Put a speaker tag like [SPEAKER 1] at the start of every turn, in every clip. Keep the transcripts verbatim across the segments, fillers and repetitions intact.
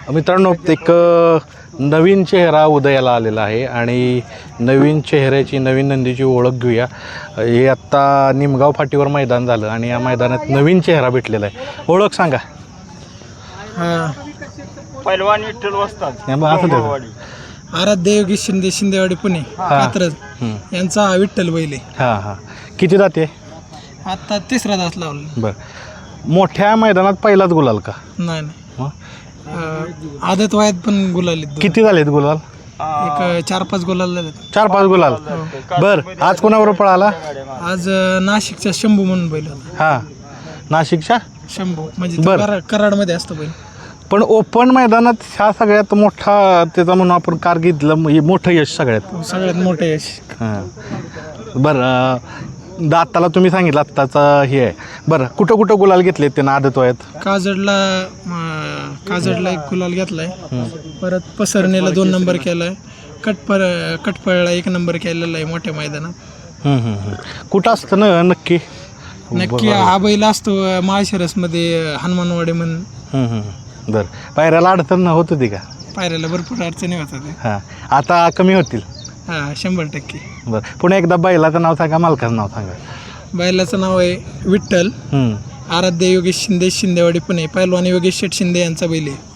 [SPEAKER 1] मित्रांनो, एक नवीन चेहरा उदयाला आलेला आहे आणि नवीन चेहऱ्याची नवीन नंदीची ओळख घेऊया. हे आत्ता निमगाव फाटीवर मैदान झालं आणि या मैदानात नवीन चेहरा भेटलेला आहे. ओळख सांगा.
[SPEAKER 2] पैलवान विठ्ठल वस्ताद
[SPEAKER 3] आराध्य योगेश शिंदे, शिंदेवाडी पुणे कात्रज यांचा हा विठ्ठल बैल आहे.
[SPEAKER 1] हां हां किती जाते?
[SPEAKER 3] आता तिसरा दास लावला.
[SPEAKER 1] बरं, मोठ्या मैदानात पहिलाच गुलाल का?
[SPEAKER 3] नाही नाही
[SPEAKER 1] हं?
[SPEAKER 3] अं, आदत वयात पण गुलाल
[SPEAKER 1] किती झालेत गुलाल?
[SPEAKER 3] एक चार पाच गुलाल झाले.
[SPEAKER 1] चार पाच गुलाल. बरं, आज कोणाबरोबर पळाला?
[SPEAKER 3] आज अं, नाशिकचा शंभू म्हणून बैल होता.
[SPEAKER 1] हां, नाशिकच्या
[SPEAKER 3] शंभू म्हणजे तो
[SPEAKER 1] बरं.
[SPEAKER 3] कराड कराडमध्ये असतो बैल.
[SPEAKER 1] पण ओपन मैदानात ह्या सगळ्यात मोठा त्याचा म्हणून आपण कारगिर्दीतलं हे मोठं यश सगळ्यात.
[SPEAKER 3] सगळ्यात मोठं यश.
[SPEAKER 1] हां बरं, दाताला तुम्ही सांगितलं आत्ताचं हे आहे. बरं, कुठं कुठं गुलाल घेतले त्यांना आदत वयात?
[SPEAKER 3] काजडला अं, काजडला एक गुलाल घेतलाय. परत पसरणीला दोन नंबर केलाय. कटपळ कटपळला एक नंबर केलेला आहे मोठ्या मैदानात.
[SPEAKER 1] हं, हं, हं. कुठं असतं ना नक्की?
[SPEAKER 3] नक्की हा बैल असतो माळशिरसमध्ये हनुमानवाडी म्हणून.
[SPEAKER 1] हं, हं. बरं, पायऱ्याला अडचण होत होती का?
[SPEAKER 3] पायऱ्याला भरपूर अडचणी होतात.
[SPEAKER 1] हां, आता कमी होतील.
[SPEAKER 3] हां, शंभर टक्के.
[SPEAKER 1] बरं, पुन्हा एकदा बैलाचं नाव सांगा, मालकाचं नाव सांगा.
[SPEAKER 3] बैलाचं नाव आहे विठ्ठल.
[SPEAKER 1] हं.
[SPEAKER 3] आराध्य योगेश शिंदे, शिंदेवाडी पुणे. पैलवान योगेश शेठ शिंदे यांचा बैल आहे.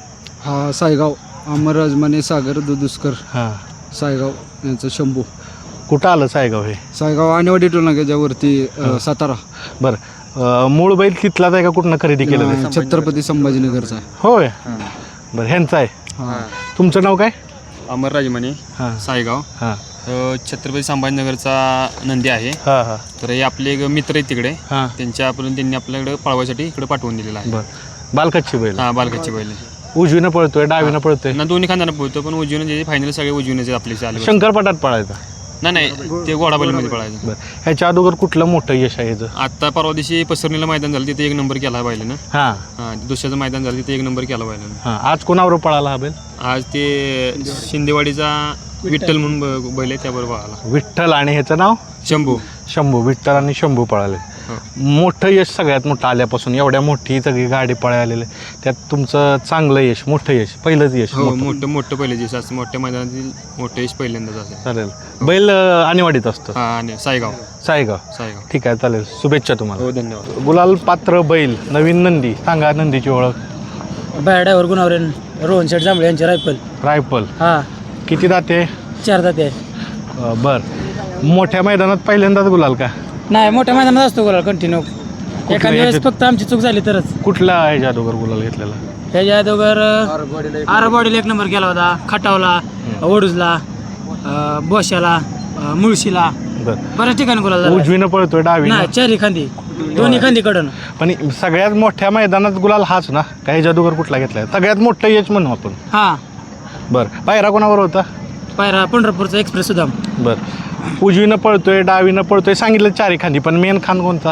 [SPEAKER 4] हा सायगाव अमरराजमाने सागर दुदुस्कर
[SPEAKER 1] हां,
[SPEAKER 4] सायगाव यांचं शंभू.
[SPEAKER 1] कुठं आलं सायगाव हे?
[SPEAKER 4] सायगाव आणेवाडी टोलनाक्याच्यावरती सातारा. बरं,
[SPEAKER 1] बरं, मूळ बैल तिथलाच आहे का कुठनं खरेदी केलं ते?
[SPEAKER 4] छत्रपती संभाजीनगरचा.
[SPEAKER 1] होय. बरं, ह्यांचं आहे.
[SPEAKER 4] हां,
[SPEAKER 1] तुमचं नाव काय?
[SPEAKER 2] अमर राजमाने
[SPEAKER 1] हां
[SPEAKER 2] सायगाव.
[SPEAKER 1] हां
[SPEAKER 2] अ, छत्रपती संभाजीनगरचा नंदी आहे.
[SPEAKER 1] हां हां
[SPEAKER 2] तर हे आपले एक मित्र आहेत तिकडे.
[SPEAKER 1] हां.
[SPEAKER 2] त्यांच्या आपण त्यांनी आपल्याकडे पळवायसाठी इकडे पाठवून दिलेला आहे.
[SPEAKER 1] बरं, बालकच्ची बैल.
[SPEAKER 2] हा, बालकाची बैल.
[SPEAKER 1] उजवीनं पळतोय, डावीनं पळतोय?
[SPEAKER 2] ना दोन्ही खांदाना पोहतो, पण उजवीनं जे फायनल सगळे उजवीनच आपले चालू.
[SPEAKER 1] शंकरपटात पळायचा?
[SPEAKER 2] नाही नाही, ते घोडा बैलमध्ये पळायचं.
[SPEAKER 1] बरं, ह्याच्या अगोदर कुठलं मोठं यश आहे ह्याचं?
[SPEAKER 2] आता परवा दिवशी पसरणीला मैदान झालं, तिथे एक नंबर केला बैलानं.
[SPEAKER 1] हां
[SPEAKER 2] हां, दुसऱ्याचं मैदान झालं, तिथे एक नंबर केला बैलानं.
[SPEAKER 1] हां. आज कोणाबरोबर पळाला हा बैल?
[SPEAKER 2] आज ते शिंदेवाडीचा विठ्ठल म्हणून ब- बैल आहे, त्याबरोबर आला.
[SPEAKER 1] विठ्ठल आणि ह्याचं नाव
[SPEAKER 2] शंभू.
[SPEAKER 1] शंभू. विठ्ठल आणि शंभू पळाले. मोठं यश सगळ्यात मोठं आल्यापासून, एवढ्या मोठी सगळी गाडी पळालेली, त्यात तुमचं चांगलं यश, मोठं यश, पहिलंच यश.
[SPEAKER 2] हो,
[SPEAKER 1] मोठं.
[SPEAKER 2] मोठं मोठं पहिले दिवस असं मोठ्या मैदानातील मोठं यश पहिल्यांदाच असेल.
[SPEAKER 1] चालेल. बैल अं, आणेवाडीत असतो?
[SPEAKER 2] हां, आणि सायगाव.
[SPEAKER 1] सायगाव.
[SPEAKER 2] सायगाव.
[SPEAKER 1] ठीक आहे, चालेल. शुभेच्छा तुम्हाला.
[SPEAKER 2] हो, धन्यवाद.
[SPEAKER 1] गुलाल पात्र बैल, नवीन नंदी. सांगा नंदीची ओळख.
[SPEAKER 5] बायड्यावर गुणावरेन रोहन शेठ जांभळे यांचे रायफल.
[SPEAKER 1] रायफल.
[SPEAKER 5] हा,
[SPEAKER 1] किती दाते?
[SPEAKER 5] चार जाते.
[SPEAKER 1] अं, बर, मोठ्या मैदानात पहिल्यांदाच गुलाल का?
[SPEAKER 5] नाही, मोठ्या मैदानात असतो गुलाल कंटिन्यू. एखाद्या वेळेस
[SPEAKER 1] ह्याच्यात?
[SPEAKER 5] फक्त आमची चूक झाली तरच.
[SPEAKER 1] कुठला आहे जादूगर गुलाल घेतलेला?
[SPEAKER 5] ह्याच्या अगोदर आरबॉडीला एक नंबर केला होता, खटावला, ओडूजला, अं, बोशाला, अं, मुळशीला,
[SPEAKER 1] बर,
[SPEAKER 5] बऱ्याच ठिकाणी गुलाल झाला.
[SPEAKER 1] उजवीनं पळतोय, डावी?
[SPEAKER 5] नाही, चारी खांदी, दोन्ही खांदी कडून.
[SPEAKER 1] पण सगळ्यात मोठ्या मैदानात गुलाल हाच ना? काही जादूगर कुठला घेतलाय? सगळ्यात मोठं यश म्हणू आपण.
[SPEAKER 5] हा,
[SPEAKER 1] बरं, पायरा कोणावर होता?
[SPEAKER 5] पायरा पंढरपूरचा एक्सप्रेस सुदाम.
[SPEAKER 1] बरं, उजवीनं पळतोय, डावीनं पळतोय, सांगितलं चारी खांदी, पण मेन खान कोणता?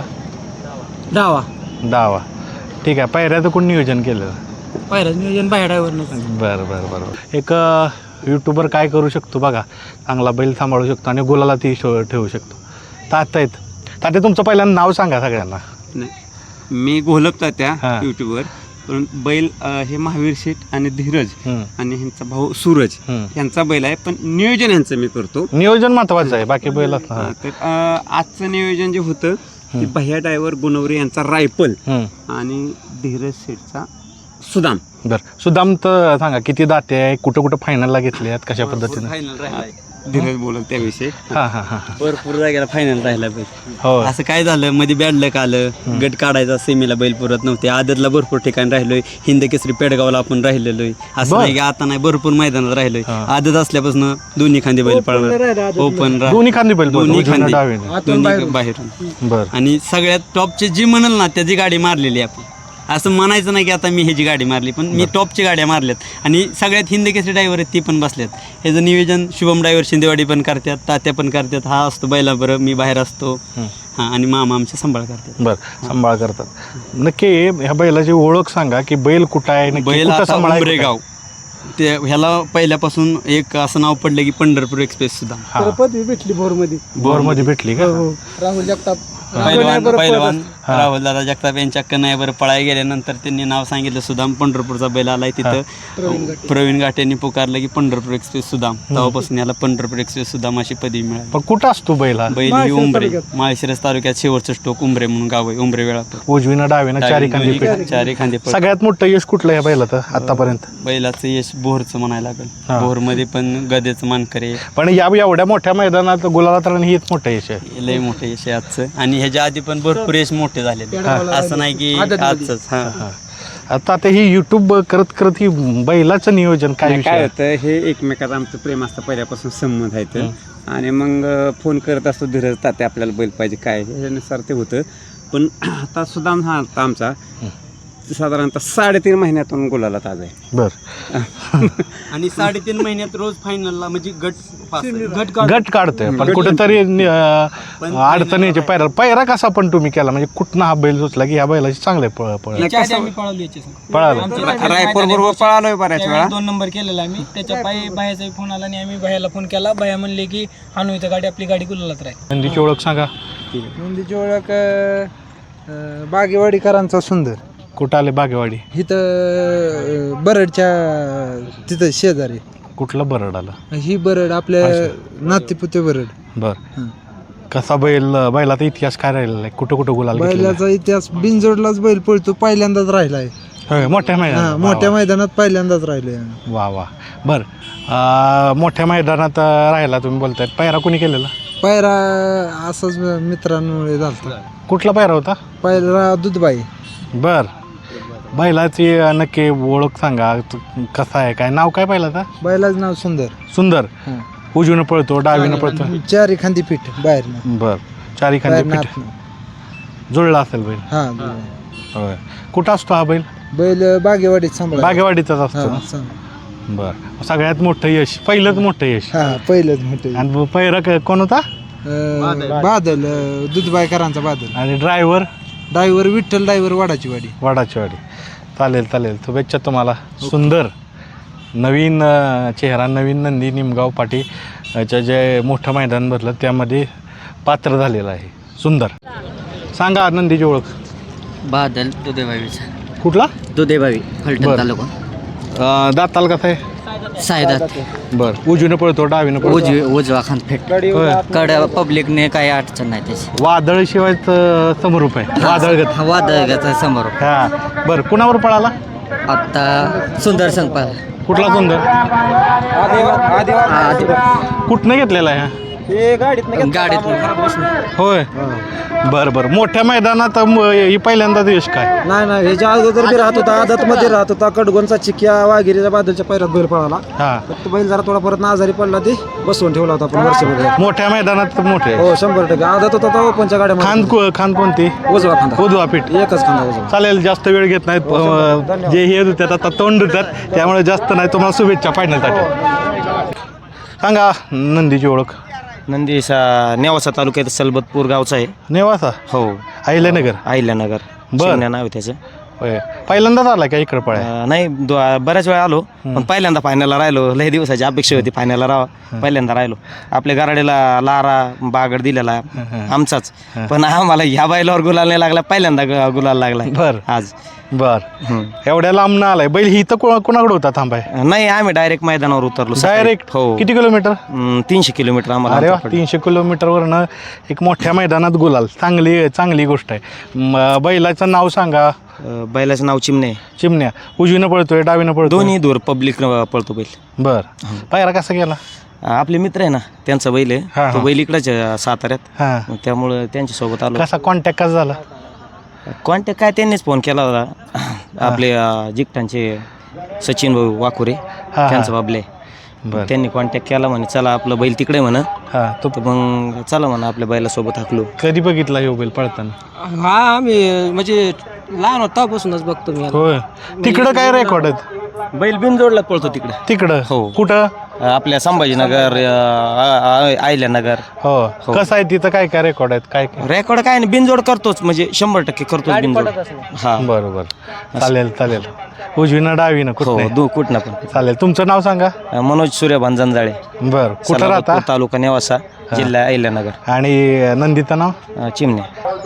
[SPEAKER 5] डावा.
[SPEAKER 1] डावा. ठीक आहे. पायऱ्याचं कोण नियोजन केलं?
[SPEAKER 5] पायरा नियोजन बायड्यावर नाही.
[SPEAKER 1] बरं बरं बरं. एक यूट्यूबर काय करू शकतो बघा, चांगला बैल सांभाळू शकतो आणि गुलाला ती शो ठेवू शकतो. तात्या आहेत. तात्या, तुमचं पहिल्यांदा नाव सांगा सगळ्यांना.
[SPEAKER 6] नाही, मी घोलकता त्या
[SPEAKER 1] हां.
[SPEAKER 6] यूट्यूबवर, पण बैल अ, हे महावीर शेठ आणि धीरज
[SPEAKER 1] हं.
[SPEAKER 6] आणि ह्यांचा भाऊ सूरज
[SPEAKER 1] हं.
[SPEAKER 6] यांचा बैल आहे, पण नियोजन यांचं मी करतो.
[SPEAKER 1] नियोजन महत्वाचं आहे, बाकी बैल असणार.
[SPEAKER 6] हा, तर अ, आजचं नियोजन जे होतं ते भैया ड्रायव्हर गुणवरे यांचा रायफल
[SPEAKER 1] हं.
[SPEAKER 6] आणि धीरज शेठचा सुदाम.
[SPEAKER 1] बरं, सुदाम तर सांगा किती दाते आहे, कुठं कुठं फायनलला घेतले आहेत, कशा पद्धतीनं?
[SPEAKER 6] धीरज बोलत त्याविषयी.
[SPEAKER 1] हां हां हां.
[SPEAKER 6] भरपूर जागेला फायनल राहिला बैल.
[SPEAKER 1] हो.
[SPEAKER 6] असं काय झालं, मध्ये बॅड लक आलं, गट काढायचा सेमीला बैल पुरत नव्हते. आदतला भरपूर ठिकाणी राहिलोय, हिंद केसरी पेडगावला आपण राहिलेलोय. असं
[SPEAKER 1] बरं.
[SPEAKER 6] नाही की आता नाही, भरपूर मैदानात राहिलोय.
[SPEAKER 1] हां.
[SPEAKER 6] आदत असल्यापासून दोन्ही खांदी बैल पळणार, ओपन
[SPEAKER 1] दोन्ही खांदी बैल पळतो,
[SPEAKER 6] दोन्ही
[SPEAKER 1] उजवीनं
[SPEAKER 6] खांदी,
[SPEAKER 1] डावीनं.
[SPEAKER 6] दोन्ही बाहेरून.
[SPEAKER 1] बरं.
[SPEAKER 6] आणि सगळ्यात टॉपचे जी म्हणाल ना त्याची गाडी मारलेली आहे आपण. असं म्हणायचं नाही की आता मी ह्याची गाडी मारली, पण मी टॉपची गाड्या मारल्यात. आणि सगळ्यात हिंद केसरी ड्रायव्हर आहेत ती पण बसल्यात. ह्याचं नियोजन शुभम ड्रायव्हर शिंदेवाडी पण करतात, तात्या पण करतात. हा असतो बैला बरं, मी बाहेर असतो. हां, आणि मामा आमच्या सांभाळ करतात.
[SPEAKER 1] बरं, सांभाळ करतात. नक्की ह्या बैलाची ओळख सांगा की बैल कुठं आहे, नक्की
[SPEAKER 6] बैल
[SPEAKER 1] कुठं
[SPEAKER 6] आता
[SPEAKER 1] सांभाळायचं काय?
[SPEAKER 6] उंबरेगाव. ते ह्याला पहिल्यापासून एक असं नाव पडलं की पंढरपूर एक्सप्रेस सुद्धा.
[SPEAKER 1] हां.
[SPEAKER 3] पदवी भेटली भोरमध्ये.
[SPEAKER 1] बोरमध्ये भेटली का?
[SPEAKER 3] राहुल जगताप
[SPEAKER 6] पैलवान पैलवान राहुल दादा जगताप यांच्या कन्हैयावर पळायला गेल्यानंतर त्यांनी नाव सांगितलं सुदाम. पंढरपूरचा बैल आलाय तिथं प्रवीण घाटे यांनी पुकारलं की पंढरपूर एक्सप्रेस सुदाम. तेव्हापासून याला पंढरपूर एक्सप्रेस सुदाम अशी पदवी मिळाली.
[SPEAKER 1] पण कुठं असतो बैल हा?
[SPEAKER 6] बैल ही उंबरे माळशिरस तालुक्यात शेवटचं स्टोक उंबरे म्हणून गाव आहे. उंबरे वेळापूर.
[SPEAKER 1] उजवीनं डावीनं चारी खांदी पीठ.
[SPEAKER 6] चारी खांदे पळ.
[SPEAKER 1] सगळ्यात मोठं यश कुठलं या बैलाचं आतापर्यंत?
[SPEAKER 6] बैलाचं यश बोरचं म्हणायला लागेल. बोरमध्ये पण गदेचं मानकरे.
[SPEAKER 1] पण या एवढ्या मोठ्या मैदानात गुलालात राहणं हेच मोठं यश आहे.
[SPEAKER 6] लय मोठं यश आहे आजचं. आणि ह्याच्या आधी पण भरपूर यश मोठे झालेले. असं नाही की आजच. हा
[SPEAKER 1] आता ते ही युट्यूब करत करत ही बैलाचं नियोजन काय
[SPEAKER 7] काय
[SPEAKER 1] विषय?
[SPEAKER 7] होतं, हे एकमेकाचं आमचं प्रेम असतं पहिल्यापासून संबंध आहेत. आणि मग फोन करत असतो धीरज तात्या आपल्याला बैल पाहिजे काय ह्याच्यानुसार ते होतं. पण आता सुद्धा हा आता आमचा साधारणतः साडेतीन महिन्यातून गुलाला ताज आहे.
[SPEAKER 1] बर.
[SPEAKER 6] आणि साडेतीन महिन्यात रोज फायनलला म्हणजे गट पास आहे. गट
[SPEAKER 1] गट काढतोय पण कुठेतरी अडचणीचे पैरा पैरा कसा पण तुम्ही केला म्हणजे कुठनं हा बैल सुचला की ह्या बैलाची चांगले पळ पळ
[SPEAKER 5] आम्ही पळवली याची
[SPEAKER 1] पळाला.
[SPEAKER 7] रायपूर बरोबर पळालोय बऱ्याच वेळा.
[SPEAKER 5] दोन नंबर केलेला आम्ही. त्याच्या पायी बायाचा फोन आला आणि आम्ही बायाला फोन केला. बाया म्हणले की आणू इथं गाडी, आपली गाडी गुलालात राहील.
[SPEAKER 1] नंदीची ओळख सांगा.
[SPEAKER 4] नंदीची ओळख बागेवाडीकरांचा सुंदर.
[SPEAKER 1] कुठं आले बागेवाडी?
[SPEAKER 4] इथं बरडच्या तिथं शेजारी.
[SPEAKER 1] कुठलं बरड आलं?
[SPEAKER 4] ही बरड आपल्या नातेपुते बरड.
[SPEAKER 1] बर. कसा बैल बैलाचा इतिहास काय राहिलेला आहे? कुठं कुठं गुलाल घेतलेला आहे?
[SPEAKER 4] बैलाचा इतिहास बिनजोडलाच बैल पळतो, पहिल्यांदाच राहिलाय.
[SPEAKER 1] होय, मोठ्या
[SPEAKER 4] हा,
[SPEAKER 1] मैदानात.
[SPEAKER 4] मोठ्या मैदानात पहिल्यांदाच राहिलोय.
[SPEAKER 1] वा वा. बर. अं, मोठ्या मैदानात अं, राहिला तुम्ही बोलताय. पैरा कोणी केलेला?
[SPEAKER 4] पायरा असंच मित्रांमुळे झालता.
[SPEAKER 1] कुठला पैरा होता?
[SPEAKER 4] पायरा दुधबाई.
[SPEAKER 1] बर. बैलाची नक्की ओळख सांगा. तू कसा आहे, काय नाव काय बैलाचा?
[SPEAKER 4] बैलाचं नाव सुंदर.
[SPEAKER 1] सुंदर.
[SPEAKER 4] हा.
[SPEAKER 1] उजवीनं पळतो डावीनं पळतो?
[SPEAKER 4] चारी खांदी पीठ बाहेर.
[SPEAKER 1] बर. चारी खांदी पीठ जुळला असेल बैल.
[SPEAKER 4] हा.
[SPEAKER 1] होय. कुठं असतो हा बैल?
[SPEAKER 4] बैल बागेवाडीत सांभाळ.
[SPEAKER 1] बागेवाडीचाच असतो ना? बर. सगळ्यात मोठं यश, पहिलंच मोठं यश.
[SPEAKER 4] हा, पहिलंच मोठं.
[SPEAKER 1] आणि पैरा क- कोण होता?
[SPEAKER 4] बादल, दुधबाईकरांचा बादल.
[SPEAKER 1] आणि ड्रायव्हर?
[SPEAKER 4] ड्रायव्हर विठ्ठल ड्रायव्हर वाडाची वाडी.
[SPEAKER 1] वाडाची वाडी. चालेल चालेल. शुभेच्छा तुम्हाला. सुंदर नवीन अं, चेहरा, नवीन नंदी निमगाव पाटी च्या जे मोठं मैदान भरलं त्यामध्ये पात्र झालेलं आहे. सुंदर. सांगा नंदीची ओळख.
[SPEAKER 8] बादल दुधेबावीचा.
[SPEAKER 1] कुठला?
[SPEAKER 8] दुधेबावी फलटण
[SPEAKER 1] बरं.
[SPEAKER 8] तालुका.
[SPEAKER 1] अं, दाताल कसा आहे?
[SPEAKER 8] सायदात.
[SPEAKER 1] बरं. उजवीनं पळतो डावीनं पळतो?
[SPEAKER 8] उजवी उजवा खान फेट.
[SPEAKER 1] होय.
[SPEAKER 8] कडे पब्लिकने काही अडचण नाही त्याची.
[SPEAKER 1] वादळ शिवायचं समरूप आहे. वादळगत.
[SPEAKER 8] वादळाचा समोर.
[SPEAKER 1] हा. बरं. कुणावर पळाला?
[SPEAKER 8] आता सुंदर संपाल.
[SPEAKER 1] कुठला सुंदर? कुठनं घेतलेला आहे हा?
[SPEAKER 8] गाडीत
[SPEAKER 1] होय. बरं बरं. मोठ्या मैदानात म- ही पहिल्यांदाच यश काय?
[SPEAKER 9] नाही नाही ह्याच्या अगोदर बी राहत होता, आदत मध्ये राहत होता. कडगोनचा चिक्या वाघिरीच्या बादलच्या पैरात बैल पळाला.
[SPEAKER 1] हा.
[SPEAKER 9] फक्त बैल जरा थोडा परत आजारी पडला, ते बसवून ठेवला होता आपण वर्षभर.
[SPEAKER 1] मोठ्या मैदानात मोठे.
[SPEAKER 9] हो, शंभर टक्के आदत होता तो ओपनच्या गाड्या.
[SPEAKER 1] खान को- खान कोणती?
[SPEAKER 9] उजवा खांदा.
[SPEAKER 1] उजवा पीठ.
[SPEAKER 9] एकच खांदा उजवा.
[SPEAKER 1] चालेल. जास्त वेळ घेत नाहीत. अं, जे हे देतात आता तोंड देतात त्यामुळे जास्त नाही. तुम्हाला शुभेच्छा फायनलसाठी. सांगा नंदीची ओळख.
[SPEAKER 9] नंदीसा नेवासा तालुक्यात सलबतपूर गावचा आहे.
[SPEAKER 1] नेवासा?
[SPEAKER 9] हो.
[SPEAKER 1] अहिल्यानगर.
[SPEAKER 9] अहिल्यानगर.
[SPEAKER 1] बरं.
[SPEAKER 9] चिमण्या नाव आहे त्याचं.
[SPEAKER 1] होय. पहिल्यांदाच आला का इकडं पळाय?
[SPEAKER 9] अं, नाही दो- बऱ्याच वेळा आलो, पण पहिल्यांदा फायनलला राहिलो. लय दिवसाची अपेक्षा होती फायनलला राहा. पहिल्यांदा राहिलो. आपल्या गराडीला लारा बागड दिलेला आमचाच, पण आम्हाला ह्या बैलावर गुलाल नाही लागला. पहिल्यांदा ग- गुलाल लागला
[SPEAKER 1] बर.
[SPEAKER 9] आज.
[SPEAKER 1] बर. एवढ्या लांब ना आलाय बैल. ही तर कोणा- कोणाकडे होता थांबाय?
[SPEAKER 9] नाही, आम्ही डायरेक्ट मैदानावर उतरलो सकाळी.
[SPEAKER 1] डायरेक्ट?
[SPEAKER 9] हो.
[SPEAKER 1] किती किलोमीटर?
[SPEAKER 9] अं, तीनशे किलोमीटर आम्हाला
[SPEAKER 1] अरे वा.
[SPEAKER 9] अंतर पडलं.
[SPEAKER 1] तीनशे किलोमीटरवरनं एक मोठ्या मैदानात गुलाल. चांगली चांगली गोष्ट आहे. म- बैलाचं नाव सांगा.
[SPEAKER 9] अं, बैलाचं नाव चिमणे.
[SPEAKER 1] चिमण्या. उजवीनं पळतोय डावीनं पळतोय?
[SPEAKER 9] दोन्ही दूर पब्लिक पळतो बैल.
[SPEAKER 1] बर. पायरा कसा गेला?
[SPEAKER 9] अं, आपले मित्र आहे ना, त्यांचा बैल
[SPEAKER 1] हा,
[SPEAKER 9] आहे.
[SPEAKER 1] हा.
[SPEAKER 9] तो बैल इकडंच आहे, साताऱ्यात.
[SPEAKER 1] हा.
[SPEAKER 9] मग त्यामुळं त्यांच्यासोबत आलो.
[SPEAKER 1] कसा कॉन्टॅक्ट कसा झाला?
[SPEAKER 9] कॉन्टॅक्ट काय त्यांनीच फोन केला होता. आपले अं, जिकटांचे सचिन भाऊ वाकुरे,
[SPEAKER 1] हा.
[SPEAKER 9] त्यांचा बाबले.
[SPEAKER 1] बर.
[SPEAKER 9] त्यांनी कॉन्टॅक्ट केला, म्हणे चला आपलं बैल तिकडे म्हण.
[SPEAKER 1] हा. तो
[SPEAKER 9] तर मग चला म्हणा आपल्या बैलासोबत हाकलो.
[SPEAKER 1] कधी बघितला ह्यो बैल पळताना?
[SPEAKER 5] हा, आम्ही म्हणजे लहान होतापासूनच बघतो मी.
[SPEAKER 1] होय. तिकडं काय रेकॉर्ड आहेत?
[SPEAKER 9] बैल बिनजोडला पळतो तिकडे.
[SPEAKER 1] तिकडं?
[SPEAKER 9] हो.
[SPEAKER 1] कुठं?
[SPEAKER 9] आपल्या संभाजीनगर, आयल्यानगर.
[SPEAKER 1] हो. कसं आहे तिथं काय काय रेकॉर्ड आहेत? काय काय?
[SPEAKER 9] रेकॉर्ड काय नाही, बिनजोड करतोच, म्हणजे शंभर टक्के करतोच बिनजोड. हा.
[SPEAKER 1] बरोबर. चालेल चालेल. उजवीनं डावीनं
[SPEAKER 9] हो,
[SPEAKER 1] कुठं?
[SPEAKER 9] दु कुठनं पण.
[SPEAKER 1] चालेल. तुमचं नाव सांगा.
[SPEAKER 9] मनोज सूर्यभान जंजाळे.
[SPEAKER 1] बर. कुठं राहता?
[SPEAKER 9] तालुका नेवासा, जिल्हा अहिल्यानगर.
[SPEAKER 1] आणि नंदीचं नाव?
[SPEAKER 9] चिमणे.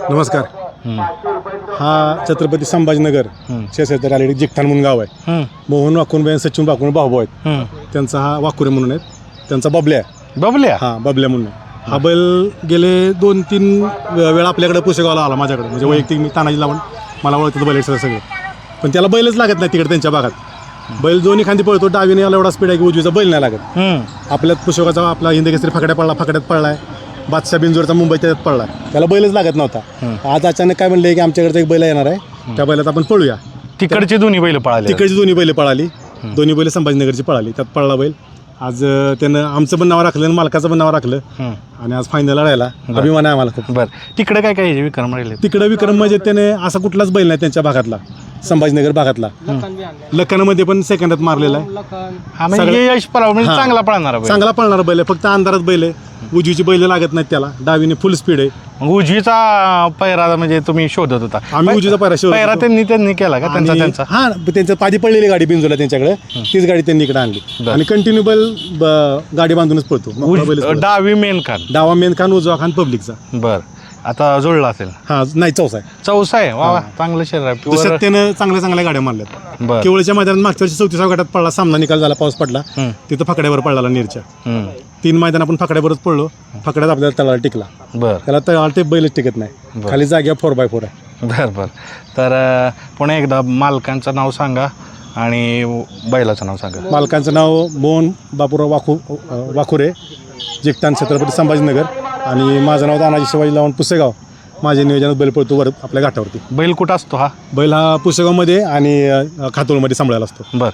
[SPEAKER 10] नमस्कार. हा छत्रपती संभाजीनगर शेजारी आलेली जिगठाण म्हणून गाव आहे. मोहन वाकुनबाई आणि सचिन वाकुन भाऊ आहेत. त्यांचा हा वाकुरे म्हणून आहेत. त्यांचा बबल्या आहे.
[SPEAKER 1] बबल्या
[SPEAKER 10] हा बबल्या म्हणून आहे. हा बैल गेले दोन तीन वेळा आपल्याकडे पुसेगावला आला माझ्याकडे, म्हणजे वैयक्तिक मी तानाजी लावून मला ओळखतं बैल सगळं सगळे, पण त्याला बैलच लागत नाही तिकडे त्यांच्या भागात. बैल दोन्ही खांदी पळतो, डावीने याला एवढा स्पीड आहे की उजवीचा बैल नाही लागत. आपल्यात पुसेगावचा आपला हिंदकेसरी फाकड्या पडला, फाकड्यात पडलाय. बादशाह बिंजोरचा मुंबई त्याच्यात पडला, त्याला बैलच लागत नव्हता. आज अचानक काय म्हणले की आमच्याकडचा एक बैल येणार आहे, त्या बैलात आपण पळूया.
[SPEAKER 1] तिकडची दोन्ही बैल पळाली.
[SPEAKER 10] तिकडची दोन्ही बैल पळाली, दोन्ही बैल संभाजीनगरची पळाली, त्यात पळला बैल. आज त्यानं आमचं पण नाव राखलं आणि मालकाचं पण नाव राखलं आणि आज फायनलला राहिला. अभिमान आहे आम्हाला खूप.
[SPEAKER 1] बरं, तिकडे काय काय विक्रम राहिले?
[SPEAKER 10] तिकडे विक्रम म्हणजे त्याने असा कुठलाच बैल नाही त्यांच्या भागातला, संभाजीनगर भागातला. लखनमध्ये पण सेकंदात मारलेला आहे.
[SPEAKER 1] म्हणजे यश पराव म्हणजे चांगला पळणार बैल.
[SPEAKER 10] चांगला पळणारा बैल आहे, फक्त अंधारात बैल आहे. उजवीची बैल लागत नाहीत त्याला, डावीने फुल स्पीड आहे.
[SPEAKER 1] मग उजवीचा पैरा म्हणजे तुम्ही शोधत होता?
[SPEAKER 10] आम्ही उजवीचा पैरा शोधत
[SPEAKER 1] पैरा
[SPEAKER 10] होतो.
[SPEAKER 1] त्यांनी त्यांनी केला का त्यांचा त्यांचा?
[SPEAKER 10] हा, त्यांचं पादी पडलेली गाडी बिंजोला त्यांच्याकडे, तीच गाडी त्यांनी इकडे आणली आणि कंटिन्यू बैल ब- गाडी बांधूनच पळतो. मोकळा बैलच पळतो.
[SPEAKER 1] डावी मेन खान,
[SPEAKER 10] डावा मेन खान, उजवा खान पब्लिकचा.
[SPEAKER 1] बर. आता जुळला असेल?
[SPEAKER 10] हा, नाही चौसा आहे.
[SPEAKER 1] चौसा आहे. वा वा, चांगलं शरीर आहे.
[SPEAKER 10] तसं
[SPEAKER 1] Pure-
[SPEAKER 10] त्यानं चांगल्या चांगल्या गाड्या मारल्यात.
[SPEAKER 1] बर.
[SPEAKER 10] केवळच्या मैदानात मागच्या वर्षी चौतीसाव्या गटात पडला, सामना निकाल झाला, पाऊस पडला, तिथं फकड्यावर पडला नेरच्या.
[SPEAKER 1] हम्म.
[SPEAKER 10] तीन मैदान आपण फकड्यावरच पडलो, फकड्यात आपल्याला तळाला टिकला.
[SPEAKER 1] बर
[SPEAKER 10] त्याला तळाला ते बैलच टिकत नाही, खाली जाग्या फोर बाय फोर आहे.
[SPEAKER 1] बर बर. तर अं, पुन्हा एकदा मालकांचं नाव सांगा आणि बैलाचं नाव सांगा.
[SPEAKER 10] मालकांचं नाव मोहन बापूराव वाखू वाखुरे, जिगठाण छत्रपती संभाजीनगर, आणि माझं नाव तानाजी शिवाजी लावून पुसेगाव. माझ्या नियोजनात बैल पळतो वर आपल्या घाटावरती.
[SPEAKER 1] बैल कुठं असतो हा?
[SPEAKER 10] बैल हा पुसेगावमध्ये आणि अ, खातोळमध्ये सांभाळायला असतो.
[SPEAKER 1] बर.